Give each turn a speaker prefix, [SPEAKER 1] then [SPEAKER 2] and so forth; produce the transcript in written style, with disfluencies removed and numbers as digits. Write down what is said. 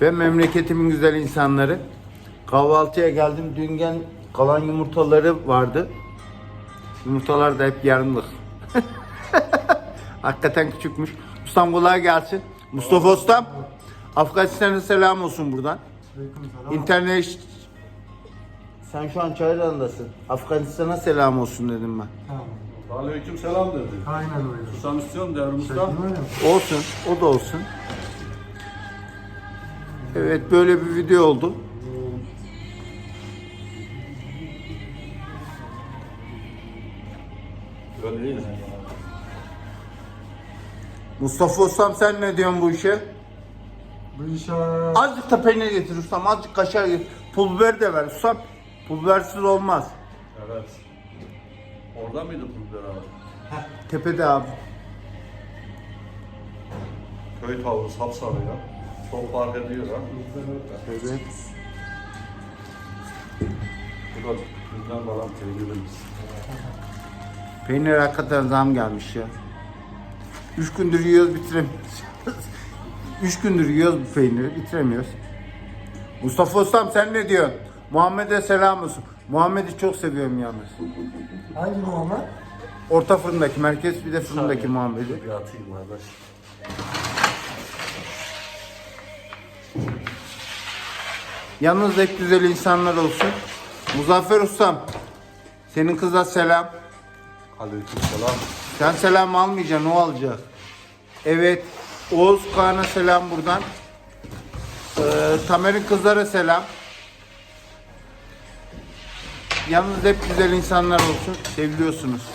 [SPEAKER 1] Ve memleketimin güzel insanları. Kahvaltıya geldim. Dün kalan yumurtaları vardı. Yumurtalar da hep yarımlık. Hakikaten küçükmüş. Ustam kolay gelsin. Mustafa Ustam. Afganistan'a selam olsun buradan. İnternet. Sen şu an Çayran'dasın. Afganistan'a selam olsun dedim ben.
[SPEAKER 2] Tamam. Aleyküm selam dedi.
[SPEAKER 3] Aynen öyle.
[SPEAKER 2] Susam istiyorum Devrim Usta.
[SPEAKER 1] Olsun. O da olsun. Evet, böyle bir video oldu.
[SPEAKER 2] Öyleyiz.
[SPEAKER 1] Mustafa Ustam sen ne diyorsun bu işe?
[SPEAKER 3] Bu işe
[SPEAKER 1] Azıcık da peynir getir ustam, azıcık kaşar getir. Pul biber de ver ustam. Pul bibersiz olmaz.
[SPEAKER 2] Evet. Orada mıydı pulver abi?
[SPEAKER 1] Tepede abi.
[SPEAKER 2] Köy tavuğu sapsarı ya. Çok fark ediyor ha.
[SPEAKER 1] Evet.
[SPEAKER 2] Bu da bizden kalan peynirimiz.
[SPEAKER 1] Peynir hakikaten zam gelmiş ya. 3 gündür yiyoruz bitiremiyoruz. 3 gündür yiyoruz bu peyniri bitiremiyoruz. Mustafa Ustam sen ne diyorsun? Muhammed'e selam olsun. Muhammed'i çok seviyorum yalnız.
[SPEAKER 3] hangi Muhammed?
[SPEAKER 1] Orta fırındaki, merkez bir de fırındaki Muhammed'i.
[SPEAKER 2] Bir atayım kardeş.
[SPEAKER 1] Yalnız hep güzel insanlar olsun. Muzaffer Ustam, senin kıza selam.
[SPEAKER 2] Aleyküm selam.
[SPEAKER 1] Sen selam almayacaksın, o alacak. Evet, Oğuz Kağan'a selam buradan. Tamer'in kızlara selam. Yalnız hep güzel insanlar olsun, seviliyorsunuz.